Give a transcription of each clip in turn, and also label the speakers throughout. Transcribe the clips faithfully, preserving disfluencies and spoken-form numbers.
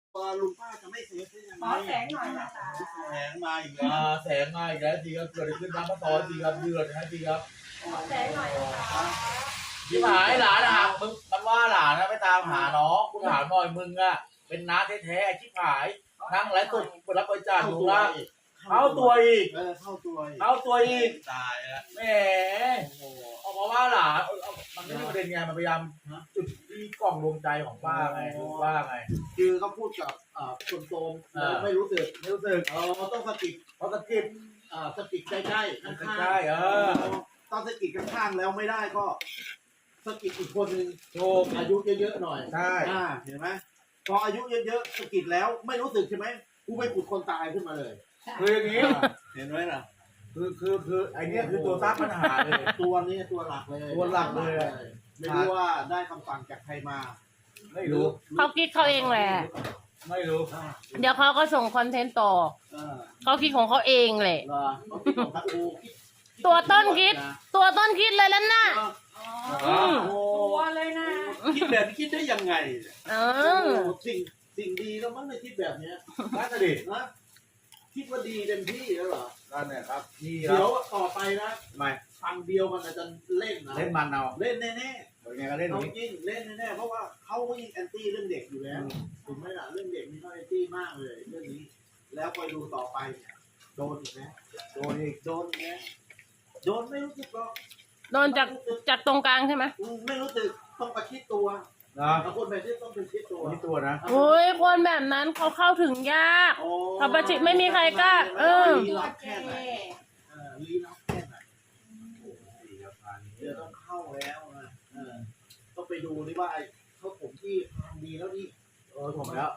Speaker 1: ว่าลุงป้าจะไม่เซฟได้ยังไง
Speaker 2: ขอแสงหน่อยนะคะ
Speaker 1: แสงมาอีกแล้ว
Speaker 3: อ่าแสงมาอีกแล้วจริงครับเกิดอะไรขึ้นน้ำมะตอนจริงครับเดือดนะจริงครับ
Speaker 2: ขอแสงหน่อยนะคะ
Speaker 3: ที่หายหลานนะฮะมึงมันว่าหลานนะไปตามหาน้องกูถามหน่อยมึงอะเป็นน้าแท้ๆที่หายนั่งไร้ตุ่มรับบริจาคอยู่ละเข้าตัวอีก
Speaker 1: เออเข้าตัวอีก
Speaker 3: เข้าตัวอีก
Speaker 1: ตายแล้ว
Speaker 3: แหม
Speaker 1: โอ้โห
Speaker 3: เอามาว่าหลานเอาเอามันไม่ใช่ประเด็นไงมันพยายามจุดที่กล่องดวงใจของป้าไงถูกป้าไง
Speaker 1: คือเขาพูดกับอ่าคนโตม
Speaker 3: อ่า
Speaker 1: ไม่รู้สึก
Speaker 3: ไม่รู้สึก
Speaker 1: เออต้องสะกิด
Speaker 3: เพราะตะกิด
Speaker 1: อ่าสะกิดใกล้ๆข้างๆ
Speaker 3: ใกล้ๆเออ
Speaker 1: ต้องสะกิดข้างๆแล้วไม่ได้ก็สะกิดอีกคนนึง
Speaker 3: โชค
Speaker 1: อายุเยอะๆหน่อย
Speaker 3: ใช่
Speaker 1: อ่าเห็นไหมพออายุเยอะๆสะกิดแล้วไม่รู้สึกใช่ไหมกูไปปลุกคนตายขึ้นมาเลย
Speaker 3: คืออย่างนี้
Speaker 1: เห็นไหมล่ะ
Speaker 3: คือคือคือไอเนี้ยคือตัวสร้างปัญหาเลย
Speaker 1: ตัวนี้ตัวหลักเลย
Speaker 3: ตัวหลักเลย
Speaker 1: ไม่รู้ว่าได้คำสั่งจากใครมา
Speaker 3: ไม่รู้
Speaker 4: เขาคิดเขาเองแหละ
Speaker 3: ไม่รู้
Speaker 4: เดี๋ยวเขาก็ส่งคอนเทนต์ต่อ
Speaker 1: เออ
Speaker 4: เขาคิดของเขาเองแหละ
Speaker 1: เหรอเขาคิดของพระอูคิด
Speaker 4: ตัวต้นคิด ตัวต้นคิดเลยแล้วน่ะ
Speaker 2: อ๋อ
Speaker 4: อืม
Speaker 1: โอ้
Speaker 2: ตัวเลยนะ
Speaker 1: คิดแบบนี้คิดได้ยังไง
Speaker 4: เอ
Speaker 1: โอ้
Speaker 4: อ
Speaker 1: สิ่งสิ่งดีแล้วมั้งในคิดแบบเนี้ย
Speaker 3: น่าจะดิ
Speaker 1: นะคิดว่าดีเต็มที่แล้วเหรอ
Speaker 3: นั่นเนี่ยครับนี่ครั
Speaker 1: เดี๋ยว
Speaker 3: บ
Speaker 1: ต่อไปนะ
Speaker 3: ไม่
Speaker 1: ทางเดียวมันอาจจะเล่นนะ
Speaker 3: เล่นมันเอา
Speaker 1: เล่นแน่
Speaker 3: เดี๋ยวไงก็
Speaker 1: ๆ
Speaker 3: เล่นอ
Speaker 1: เอา
Speaker 3: ย่าง
Speaker 1: จ
Speaker 3: นี้
Speaker 1: ริงเล่นแน่ๆเพราะว่าเขาก็ยิ่งแอนตี้เรื่องเด็กอยู่แล้วถูกไหมล่ะเรื่องเด็กนี่เขาแอนตี้มากเลยเรื่องนี้ แล้วคอยดูต่อไปเนี่ยโดนอีกนะ
Speaker 3: โดนอีก
Speaker 1: โดนอีกนะโดนไม่รู้สึกหรอก
Speaker 4: โดนจากจากตรงกลางใช่ไหม
Speaker 1: อืมไม่รู้สึกต้องประชิดตัว
Speaker 3: นะ
Speaker 1: บางคนแบบนี้ต้องเป็นชิดตัว
Speaker 3: นี่ตัวนะ
Speaker 4: โอ้ยคนแบบนั้นเขาเข้าถึงยาก
Speaker 1: โอ้
Speaker 4: ถ้าประชิดไม่มีใครกล้าเออ
Speaker 1: ลี้
Speaker 2: ตัว
Speaker 1: ลับ
Speaker 2: เจ
Speaker 1: แค่ไหนเออลี้ลับแค่ไหน
Speaker 3: นี่ครับอันนี้
Speaker 1: เดี๋ยวต้องเข้าแล้วนะเออต้องไปดูดิว่าไอ้เขาผมที่ทางดีแล้วนี่
Speaker 3: เออผมแล้ว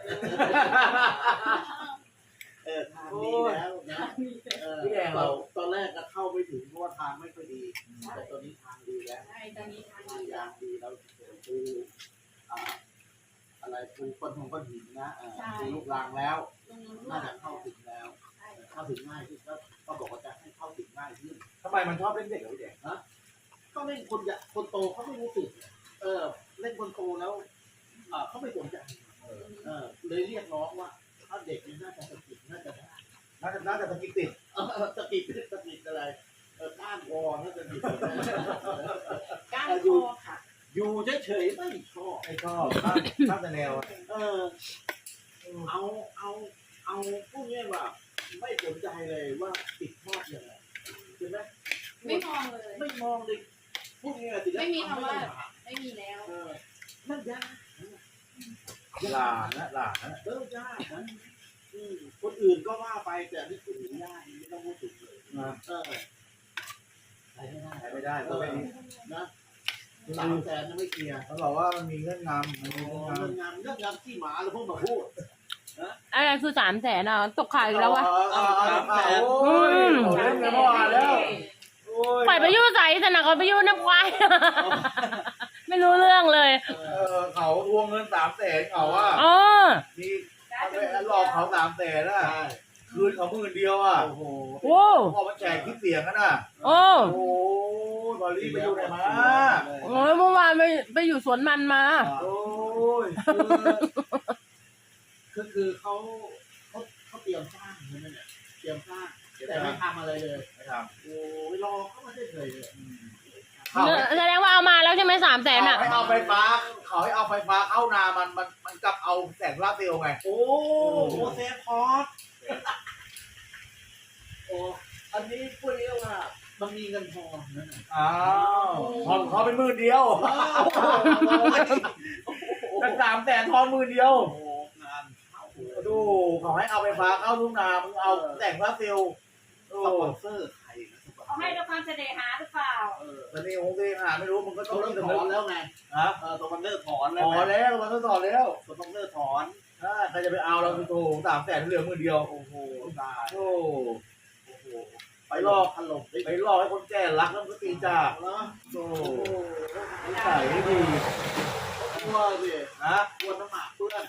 Speaker 1: เออทางดีแล้วนะเออ
Speaker 3: พี่แดงเรา
Speaker 1: ตอนแรกก็เข้าไม่ถึงเพราะว่าทางไม่ค่อยดี แต่ตอนนี้ทางดีแล้ว
Speaker 2: ใช่ตอนนี้ทาง
Speaker 1: ทาง
Speaker 2: ดี
Speaker 1: ยางดีแล้วปูอ่าอะไรปูก้อนทองก้อนหินนะเออปูลูกรังแล้ว
Speaker 2: ตรงนู้น
Speaker 1: น่าจะเข้าถึงแล้ว เข้าถึงง่ายขึ้นก็ก็บอกว่าจะให้เข้าถึงง่ายขึ้น
Speaker 3: ทำไมมันชอบเล่นเด็กเหรอพี่แดง
Speaker 1: ก็เล่นคนอยากคนโตเขาไม่รู้สึก เออ เล่นคนโตแล้วเอ่อเขาไม่สนใจเออเลยเรียกร้องว่า ถ้าเด็กนี่น่าจะสะกิดน่าจะได้
Speaker 3: น่าจะน่าจะตะกิดติด
Speaker 1: เออสะกิดสะกิดอะไรเออก้านคอน่าจะดี
Speaker 2: ก้านคอค่ะ
Speaker 1: อยู่เฉยๆไม่ชอบ
Speaker 3: ไม่ชอบข้ามข้ามแต่แนวอะ
Speaker 1: เออ เอาเอาเอาพวกนี้ว่า ไม่สนใจเลยว่าติดชอบยังไงใช่ไหม
Speaker 2: ไม่มองเลย
Speaker 1: ไม่มองเลยพวกนี้ติดแล้ว
Speaker 2: ไม่มีคำว่า
Speaker 1: ทำด้
Speaker 2: ไม่มีแล้ว
Speaker 1: เออนั่นยาก
Speaker 3: หลานนะหลานนะ
Speaker 1: เออยากนะอืมคนอื่นก็ว่าไปแต่นี่คือหูยากไม่ต้องพูดถึงเลย
Speaker 3: นะ
Speaker 1: เออใช้ไม่ได้
Speaker 3: ใช้ไม่ได้ก็ไม่ดี
Speaker 1: นะสามแสนยังไม่เคลียร์
Speaker 3: เขาบอกว่ามันมีเงื่อนงำมันมี
Speaker 1: เรื่
Speaker 3: เงื่อน
Speaker 1: อง
Speaker 3: งำ
Speaker 1: งานเรื่องงานที่หมาเราเพิ่งมาพูด
Speaker 4: อะไรคือสามแสนอ่ะตกข่าวอีกแล้ววะ
Speaker 3: เอาเอาเอาเอาโอ้ยเขาเล่นกันเมื่อวานแล้วโอ้ย
Speaker 4: ปล่อยไปยุ่ใส่สนะเขาไปยุ่น้ำควาย ไม่รู้เรื่องเลย
Speaker 1: เอ
Speaker 3: เอ
Speaker 1: อ
Speaker 3: อเขาทวงเงินสามแสนเขาว่า
Speaker 4: อ๋อ
Speaker 3: มีเอาไปหลอกเขาสามแสนอ่ะ
Speaker 1: ใช่
Speaker 3: คืนเขาหมื่นเดียวอ่ะ
Speaker 1: โอ้โห
Speaker 4: โอ้
Speaker 3: พอมาแจกคลิปเสียงกันน่ะ
Speaker 4: โอ้
Speaker 3: โอ้ยบอลลี่ไปอยู่ไหนมา
Speaker 4: โอ้ยเมื่อวานไปไปอยู่สวนมันมา
Speaker 3: โอ้ย
Speaker 1: คือคือเขาเขาเขาเตรียมสร้างใช่ไหมเนี่ยเตรียมสร้างแต่ไม่ทำอะไรเลย
Speaker 3: ไม่ท
Speaker 1: โอ้ยรอเขามาได้เลยเลย
Speaker 3: ำเขา
Speaker 4: แสดงว่าเอามาแล้วใช่ไหมสามแสนอ่ะ
Speaker 3: ให้เอาไฟฟ้าเขาให้เอาไฟฟ้าเข้านามันมันมันกลับเอาแสงลาเซลล์ไง
Speaker 1: โอ้โหเซฟพอร์ตโอ้อันนี้พูดเรียกว่ามันมีเงินทองนั่นน่ะ
Speaker 3: อ้าวทอนเขาเป็นหมื่นเดียวตั้งสามแสนทอนหมื่นเดียว
Speaker 1: โอ้งานเข้า
Speaker 3: ดูเขาให้เอาไฟฟ้าเข้าทุ่งนามึงเอาแสงลาเซลล์โอ้
Speaker 1: สปอนเซอร์ใครนะสปอน
Speaker 2: เขา
Speaker 1: เซ
Speaker 2: ให้
Speaker 1: อร์
Speaker 2: ด้วยความเสน่หาหรือเปล่า
Speaker 1: เออ
Speaker 3: ตอนนี้องค์เทหาไม่รู้มึงก็ต้
Speaker 1: เขา
Speaker 3: อง
Speaker 1: เริ่ม
Speaker 3: มี
Speaker 1: ถอนแล้วไง
Speaker 3: ฮะ
Speaker 1: เออสปอนเซอร์ถอนแล้
Speaker 3: ถ
Speaker 1: ว
Speaker 3: อนแล้วมันต้องถอนแล้ว
Speaker 1: สปอนเซอร์ถอน
Speaker 3: ถ้าใครจะไปเอาเราไปโทรสามแสนเหลือหมื่นเดียว
Speaker 1: โอ้โหตาย
Speaker 3: โอ้
Speaker 1: โอ้โห
Speaker 3: ไปหลอก
Speaker 1: ถล่ม
Speaker 3: ไปหลอกให้คนแก่รักแล้วก็ตีจาก
Speaker 1: แล้ว
Speaker 3: โอ้
Speaker 1: โอ้โห
Speaker 3: นิสัยไม่ดี
Speaker 1: กลัวสิ
Speaker 3: นะ
Speaker 1: กลัวน้ำหมากเพื่อน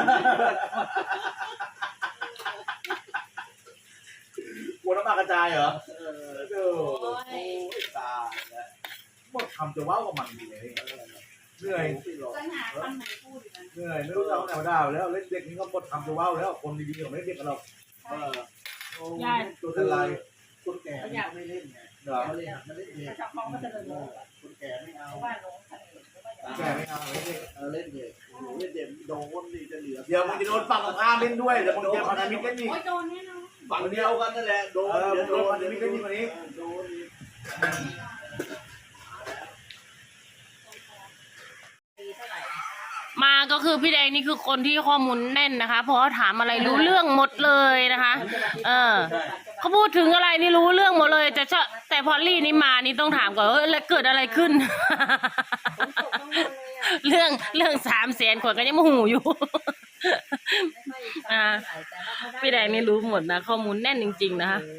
Speaker 3: กลัวน้ำตากระจายเหรอ
Speaker 1: เออ
Speaker 3: เออ
Speaker 2: โอ้ย
Speaker 1: โอ้ยตายแล้ว
Speaker 3: หมดคำจะว้าวกับมันดีเลยเหนื่อย
Speaker 1: พี่หลอก
Speaker 2: จะหาคำไหนพูดอยู่นะ
Speaker 3: เหเหนื่อยไม่รู้จะเอาไหนมาด่าแล้วเล่นเด็กนี่ก็หมดคำจะว่าวแล้วคนดีๆเขาไม่เด็กกันหรอก
Speaker 1: เออโอ้
Speaker 2: ใช่
Speaker 3: ตัวเป็นไร
Speaker 1: คนแก่เขาไม่เล่นไง
Speaker 3: เหรอ
Speaker 1: เขาเล่นมันเล่นเด็ก
Speaker 2: ถ้าชอบเขาก็จะเดิน
Speaker 1: เอ
Speaker 2: ลง
Speaker 1: อคนแก่ไม่เอา
Speaker 2: เพราะว่าลงทะเลหรือว่าอย่าง
Speaker 3: แกไม่เอาไม่เด็ก
Speaker 1: เออเล่นเด็กโอ้โหเล่นเด็กโดนนี่จะเหลือ
Speaker 3: เดี๋ยวมึงจะโดนฝั่งของข้ามเล่นด้วยเดี๋ยวมึงจะพันธมิตรเล่นอีก
Speaker 2: โอ้ยโดนแน่นอน
Speaker 1: ฝั่งเดียวกันนั่นแหละโดน
Speaker 3: เออ
Speaker 1: เดี๋ยวโดน
Speaker 3: มันจะมีกันยิ่งกว่านี้
Speaker 1: โดนอีก
Speaker 2: ปีเท่าไหร่
Speaker 4: มาก็คือพี่แดงนี่คือคนที่ข้อมูลแน่นนะคะ เพราะว่าถามอะไรรู้เรื่องหมดเลยนะคะ เออเขาพูดถึงอะไรนี่รู้เรื่องหมดเลย แต่เฉพาะแต่พอลลี่นี่มานี่ต้องถามก่อนว่าแล้วเกิดอะไรขึ้น เรื่องเรื่องสามแสนคนก็ยังไม่หูอยู่ อ่า พี่แดงนี่รู้หมดนะข้อมูลแน่นจริงๆนะคะ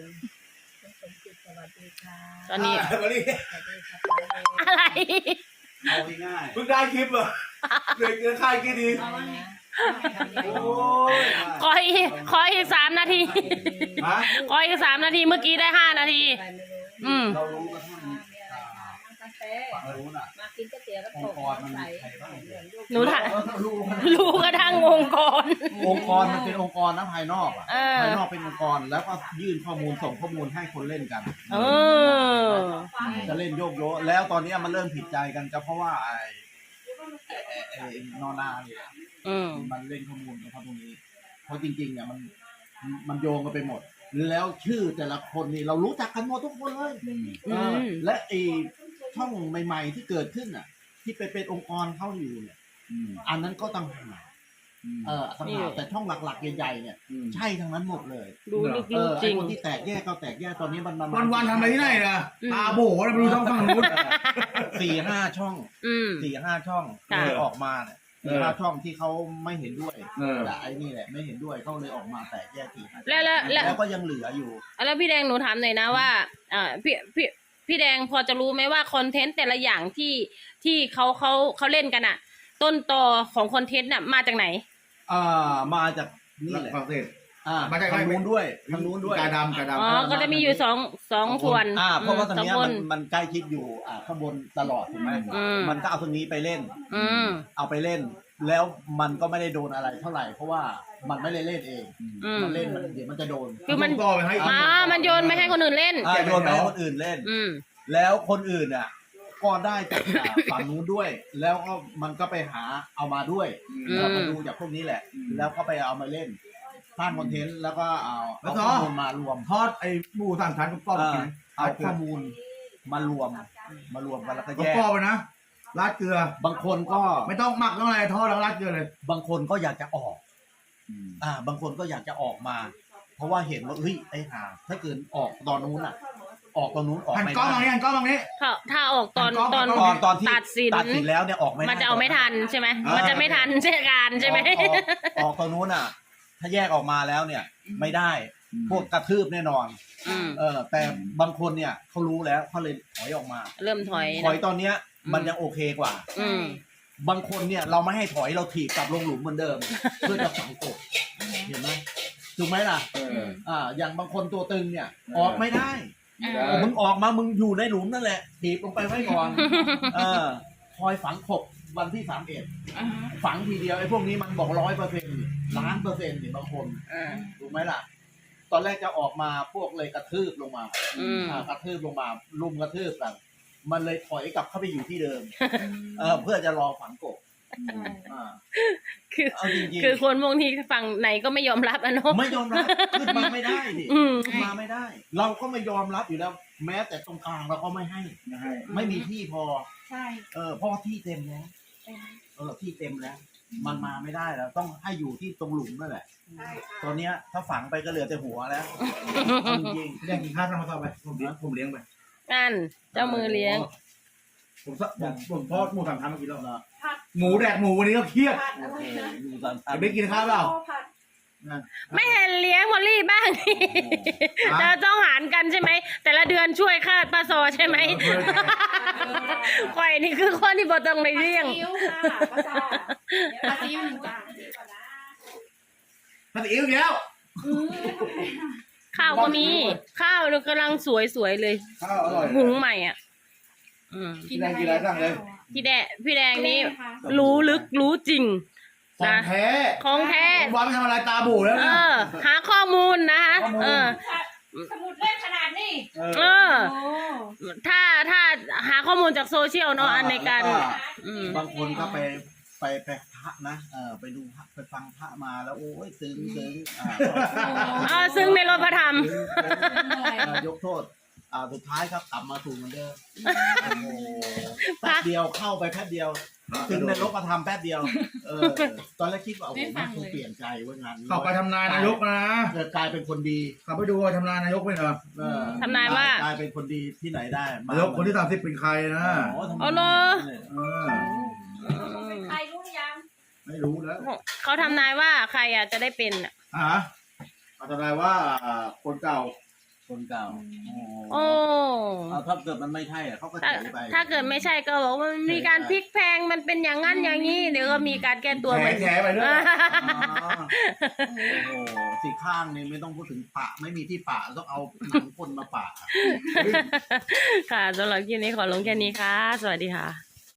Speaker 4: ตอนนี้
Speaker 3: มาดิ
Speaker 4: อะไร
Speaker 1: เอาง่าย
Speaker 3: เพิ่งได้คลิปเหรอเหนื่อยเกินค่ายกี่ดีโอ้ย
Speaker 4: ขออีกขออีกสามนาที
Speaker 3: ฮะ
Speaker 4: ขออีกสามนาทีเมื่อกี้ได้ห้านาที อืม
Speaker 1: เรารู้กันทั้ง
Speaker 2: มา
Speaker 1: เรารู้น่ะ
Speaker 2: กินก๋วยเตี๋ยวแล้ว
Speaker 1: องค์กรมันมีใครบ้าง
Speaker 4: หนูถาม
Speaker 1: รู้
Speaker 4: รู้กระทั่งองค์กร
Speaker 1: องค์กรมันเป็นองค์กรนะภายนอกอ่ะ
Speaker 4: เออ
Speaker 1: ภายนอกเป็นองค์กรแล้วก็ยื่นข้อมูลส่งข้อมูลให้คนเล่นกัน
Speaker 4: เออ
Speaker 1: จะเล่นโยกโยแล้วตอนนี้มันเริ่มผิดใจกันก็เพราะว่าไอ้ไอ้ไอ้ไอ้นอนาเนี่ย
Speaker 4: อืม
Speaker 1: มันเล่นข้อมูลนะครับตรงนี้ เพราะจริงๆเนี่ยมันมันโยงกันไปหมด แล้วชื่อแต่ละคนนี่เรารู้จักกันหมดทุกคนเลย
Speaker 4: อื
Speaker 1: เออ
Speaker 4: ม
Speaker 1: และไอ้ช่องใหม่ๆที่เกิดขึ้นอ่ะ ที่ไปเป็นองค์กรเข้าอยู่เนี่ยอันนั้นก็ต่างหากเออต่างหากแต่ช่องหลักๆใหญ่ๆเนี่ยใช่ทั้งนั้นหมดเลย
Speaker 4: รู้ลึก
Speaker 1: เออ
Speaker 4: ๆจ
Speaker 1: ไอ้
Speaker 4: ริง
Speaker 1: คนที่แตกแยกก็แตกแยกตอนนี้มัน
Speaker 3: วันวันๆทำอะไรที่ไหนนะ
Speaker 4: อืม
Speaker 3: ตาโบ๋แล้วไปดูช่องฝั่งนู้น
Speaker 1: สี่ห้าช่อง
Speaker 4: อืม
Speaker 1: สี่ห้าช่อง
Speaker 4: ค่ะ
Speaker 1: เลยออกมาเนี่ย
Speaker 3: เอ
Speaker 1: สี่
Speaker 3: อ
Speaker 1: ห้าช่องที่เขาไม่เห็นด้วย
Speaker 3: เออ
Speaker 1: แต่ไอ้นี่แหละไม่เห็นด้วยเขาเลยออกมาแตกแยกสี่ห้า
Speaker 4: แล้วแล้วแล้ว
Speaker 1: แล้วก็ยังเหลืออยู่
Speaker 4: แล้วพี่แดงหนูถามหน่อยนะว่าอ่าพี่พี่พี่แดงพอจะรู้ไหมว่าคอนเทนต์แต่ละอย่างที่ที่เขาเขาเขาเล่นกันอะต้นตอของคอนเทนต์น่ะมาจากไหน
Speaker 1: อ่ามาจากนี่แหละ
Speaker 3: ฝรั่งเศส
Speaker 1: อ่า
Speaker 3: มาจาก
Speaker 1: ทางนู้นด้วยทางนู้นด้วย
Speaker 3: กาดำกาดำ
Speaker 4: อ๋อ ก็จะมีอยู่สองสองส่วน
Speaker 1: อ่าเพราะว่าตรง
Speaker 4: สอง
Speaker 1: เนี้ย
Speaker 4: ค
Speaker 1: มัน นมันใกล้ชิดอยู่อ่าข้างบนตลอดถูกไหม
Speaker 4: อืม
Speaker 1: มันก็เอาตรงนี้ไปเล่น
Speaker 4: อืม
Speaker 1: เอาไปเล่น แล้วมันก็ไม่ได้โดนอะไรเท่าไหร่ เพราะว่ามันไม่ได้เล่นเอง
Speaker 4: อืม
Speaker 1: มันเล่นมันเดี๋ยวมันจะโดน
Speaker 4: คือมัน
Speaker 3: ต่อไปให้
Speaker 4: อ่ามันโยนไม่ให้คนอื่นเล่น
Speaker 1: อ่าโยนไปให้คนอื่นเล่น
Speaker 4: อืม
Speaker 1: แล้วคนอื่นอ่ะก็ได้จากอ่าฝั่งนู้นด้วย แล้วก็มันก็ไปหาเอามาด้วย
Speaker 4: อืม
Speaker 1: เรามาดูจากพวกนี้แหละ แล้วก็ไปเอามาเล่นสร้างคอนเทนต์แล้วก็เอา
Speaker 3: แล้
Speaker 1: เอา
Speaker 3: วก็
Speaker 1: ข้อมูลมารวม
Speaker 3: ทอดไอ้หมูสามชั้นกับกรอบ
Speaker 1: เออ
Speaker 3: กิน
Speaker 1: เอาข้อมูลมารวม มารวมกันแล้วก็
Speaker 3: ก็
Speaker 1: แยก
Speaker 3: กรอบไปนะราดเกลือ
Speaker 1: บางคนก็
Speaker 3: ไม่ต้องหมักต้องอะไรทอดแล้วราดเกลือเลย
Speaker 1: บางคนก็อยากจะออก อ่า บางคนก็อยากจะออกมา เพราะว่าเห็นว่าเฮ้ยไอ้ห่าถ้าเกิดออกตอนนู้นอ่ะ ออกตอนนู้นออก
Speaker 3: หัน
Speaker 1: ไม่
Speaker 3: กล้องมา
Speaker 1: ได้
Speaker 3: นี่หันกล้องมานี่
Speaker 4: ถ้าถ้าออกตอน
Speaker 3: ต
Speaker 4: ต
Speaker 3: อ
Speaker 4: อน น
Speaker 1: ตอนตอนที่
Speaker 4: ตัดสิน
Speaker 1: ตัดสินแล้วเนี่ยออกไม่ได้
Speaker 4: มันจะเอาไม่ทันใช่ไหม
Speaker 1: เออ
Speaker 4: มันจะไม่ทันเช่นการใช่ไหม
Speaker 1: ออกออกออกตอนนู้นอ่ะ ถ้าแยกออกมาแล้วเนี่ย ไม่ได้ พวกกระทืบแน่นอน
Speaker 4: อืม
Speaker 1: เออ แต่บางคนเนี่ยเขารู้แล้วเขาเลยถอยออกมา
Speaker 4: เริ่มถอย
Speaker 1: ถอย
Speaker 4: นะ
Speaker 1: ตอนเนี้ย
Speaker 4: อืม
Speaker 1: มันยังโอเคกว่า
Speaker 4: อืม
Speaker 1: บางคนเนี่ยเราไม่ให้ถอยเราถีบกลับลงหลุมเหมือนเดิม เพื่อจะฝังกบเห็นไหมถูกไหมล่ะ
Speaker 3: เออ
Speaker 1: อ่า อย่างบางคนตัวตึงเนี่ย ออกไม่ได้
Speaker 4: อ่า
Speaker 3: ได้
Speaker 1: โอ้มึงออกมามึงอยู่ในหลุมนั่นแหละถีบลงไปไว้ก่อน เออคอยฝังกบวันที่สามเอ็ดฝังทีเดียวไอ้พวกนี้มันบอกร้อยเปอร์เซ็นต์ล้านเปอร์เซ็นต์นี่บางคน
Speaker 4: อ่า
Speaker 1: ถูกไหมล่ะ ตอนแรกจะออกมาพวกเลยกระทืบลงมา
Speaker 4: อืม
Speaker 1: อ่ากระทืบลงมาลุมกระทืบกัน มันเลยถอยกลับเข้าไปอยู่ที่เดิม เออเพื่อจะรอฝังกบอ่า
Speaker 4: คือ
Speaker 1: เอาจริงๆ
Speaker 4: คือคนพวกนี้ฝั่งไหนก็ไม่ยอมรับอะเนาะ
Speaker 1: ไม่ยอมรับขึ้นมาไม่ได้ดิ
Speaker 4: อืม
Speaker 1: ขึ้นมาไม่ได้ เราก็ไม่ยอมรับอยู่แล้ว แม้แต่ตรงกลางเราก็ไม่ให้
Speaker 3: นะให้
Speaker 1: ไม่มีที่พอ
Speaker 2: ใช่
Speaker 1: เออเพราะว่าที่เต็มแล้ว เออที่เต็มแล้ว มันมาไม่ได้แล้ว ต้องให้อยู่ที่ตรงหลุมนั่นแหละ
Speaker 2: ใช่
Speaker 1: ตอนเนี้ยถ้าฝังไปก็เหลือแต่หัวแล้วเอาจริง
Speaker 3: เลี้ยงกินข้าวทำมาต่อไปผมเลี้ยงผมเลี้ยงไป
Speaker 4: นั่นเจ้ามือเลี้ยง
Speaker 3: ผมสะผมผมทอดหมูสามชั้นมากินแล้ว
Speaker 1: ๆนะ
Speaker 2: ผัด
Speaker 3: หมูแดกหมูวันนี้ก็เครียด
Speaker 2: ผัดอะไรนะ
Speaker 1: ดูตาม
Speaker 3: จะไม่กินข้าวเปล่า
Speaker 2: ผัด
Speaker 4: ไม่เห็นเลี้ยงมอลลี่บ้าง
Speaker 3: อ่ะ
Speaker 4: เราต้องหารกันใช่ไหม แต่ละเดือนช่วยค่าปลาโซใช่ไหมข่อยนี่คือคนที่บ่ต้องในเลี้ยง
Speaker 2: ซีอิ๊วค่ะป้าจ๋าผัดซีอิ๊วหนึ่งจาน
Speaker 3: ถ้าตีอิ่วอีกแล้ว
Speaker 4: ข้าวก็มี ข้าวกำลังสวยๆเลย
Speaker 3: ข้าวอร่อย
Speaker 4: หุงใหม่อ่ะ อืม
Speaker 3: กินอะไรกินอะไรสั่งเลย
Speaker 4: พี่แดงพี่แดงนี่รู้ลึกรู้จริง
Speaker 3: ของแท้
Speaker 4: ของแท้
Speaker 3: วันไม่ทำอะไรตาบูแล้ว
Speaker 4: เอ
Speaker 3: นะ
Speaker 4: อ หาข้อมูลนะคะ
Speaker 3: ข้อมูล
Speaker 4: เออ
Speaker 2: สมุดเล่มขนาดนี้
Speaker 4: เออ ถ้าถ้าหาข้อมูลจากโซเชียลเนาะอันในการ
Speaker 1: แล้ว
Speaker 4: อืม
Speaker 1: บางคนก็ไปไปไปพระนะเออไปดูพระไปฟังพระมาแล้วโอ้ยซึ้งซึ้งอ่า
Speaker 4: เออซึ่งในรถพระธรรม
Speaker 1: เอ่อยกโทษอ่าสุดท้ายครับกลับมาถูกเหมือนเดิมโอ้โหแป๊บเดียวเข้าไปแป๊บเดียวถึงในรถมาทำแป๊บเดียวเออตอนแรกคิดว่าโอ้โหมันคงเปลี่ยนใจว่างานนี้
Speaker 3: เข้าไปทำนายนายกนะ
Speaker 1: เกิดกลายเป็นคนดี
Speaker 3: เข้าไปดูว่าทำนายนายกไม่เหรอ
Speaker 1: เออ
Speaker 4: ทำนายว่า
Speaker 1: กลายเป็นคนดีที่ไหนได้ม
Speaker 3: นายกคนที่สามสิบเป็นใครนะ
Speaker 1: โอ้ทำไม
Speaker 4: เอาเหรอ
Speaker 3: เออ
Speaker 2: เป็นใครรู้หรือยัง
Speaker 3: ไม่รู้แล้ว
Speaker 4: เขาทำนายว่าใครอ่ะจะได้เป็นอ่ะ
Speaker 3: อ่ะเอาทำนายว่าคนเก่า
Speaker 1: คนเก่า
Speaker 4: โอ้
Speaker 1: เอาถ้าเกิดมันไม่ใช่อะเขาก็
Speaker 4: ถ้า
Speaker 1: เฉยไป
Speaker 4: ถ้าเกิดไม่ใช่ก็บอกว่ามันมีการพลิกแพลงมันเป็นอย่างนั้นอย่างนี้เดี๋ยวก็มีการแก้ตัว
Speaker 3: แถ
Speaker 4: เหมือน
Speaker 3: แถไปเรื่อย
Speaker 1: อ๋อโอ้โหสี่ข้างนี่ไม่ต้องพูดถึงปะไม่มีที่ปะต้องเอาหนังคนมาปะ
Speaker 4: ค่ะสำหรับคลิปนี้ขอลงแค่นี้ค่ะ สวัสดีค่ะ